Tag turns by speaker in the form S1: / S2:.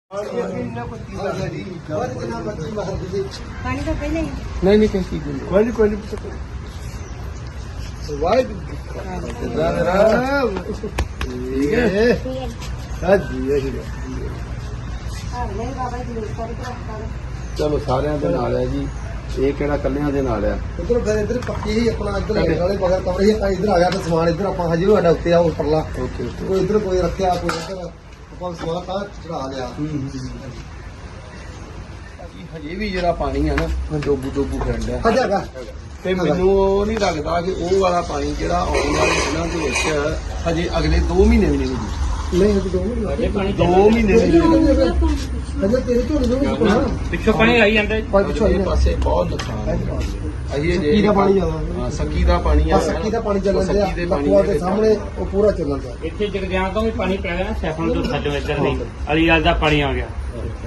S1: पानी तो पहले ही
S2: नहीं नहीं कैसी कोई कोई ठीक है
S1: नहीं बाबा जी
S2: चलो सारे दे नाल है जी ये केड़ा कल्लियां दे नाल है
S3: उधर फिर इधर पक्की ही अपना इधर वाले बगैर कमरे ही इधर आ गया तो समान इधर आप हजे साडा उत्ते आ उपरला
S2: ओके ओके
S3: कोई इधर कोई रखिया कोई इधर ਆਪਾਂ ਸਮਾਨ ਤਾਂ ਚੜਾ ਲਿਆ
S2: ਹਜੇ ਵੀ ਜਿਹੜਾ ਪਾਣੀ ਆ ਨਾ ਡੋਬੂ ਡੋਬੂ ਫਿਰਨ ਡਿਆ
S3: ਹਜੇ ਹੈਗਾ
S2: ਤੇ ਮੈਨੂੰ ਉਹ ਨਹੀਂ ਲੱਗਦਾ ਕਿ ਉਹ ਵਾਲਾ ਪਾਣੀ ਜਿਹੜਾ ਆਉਣ ਵਾਲੇ ਦਿਨਾਂ ਦੇ ਵਿੱਚ ਹਜੇ ਅਗਲੇ 2 ਮਹੀਨੇ ਵੀ ਨਹੀਂ ਹੋਊਗੀ
S3: ਨਹੀਂ ਹਜੇ 2 ਮਹੀਨੇ
S2: 2 ਮਹੀਨੇ ਵੀ ਨਹੀਂ ਹੋਊਗੀ
S3: ਹਜੇ ਤੇਰੇ ਝੋਲੇ ਨੂੰ
S4: ਪਿੱਛੋਂ ਪਾਣੀ ਆਈ ਜਾਂਦਾ
S2: ਇਹ ਪਾਸੇ ਬਹੁਤ ਨੁਕਸਾਨ ਹੈ ਅਜੇ
S3: ਸੱਕੀ ਦਾ ਪਾਣੀ ਜ਼ਿਆਦਾ
S2: ਹਾਂ ਸੱਕੀ ਦਾ ਪਾਣੀ ਆ
S3: ਸੱਕੀ ਦਾ ਪਾਣੀ ਚੱਲਣ
S2: ਸੱਕੀ ਦੇ
S3: ਦਿਆ
S2: ਪਾਣੀ
S3: ਲਖੂਆ ਦੇ ਸਾਹਮਣੇ ਉਹ ਪੂਰਾ ਚੱਲਣ ਦਿਆ
S4: ਇੱਥੇ ਜਗਦਿਆਂ ਤੋਂ ਵੀ ਪਾਣੀ ਪੈ ਗਿਆ ਸੈਫਨ ਤੋਂ ਥੱਲੇ ਇੱਧਰ ਨਹੀਂ ਅਲੀਵਾਲ ਦਾ ਪਾਣੀ ਆ ਗਿਆ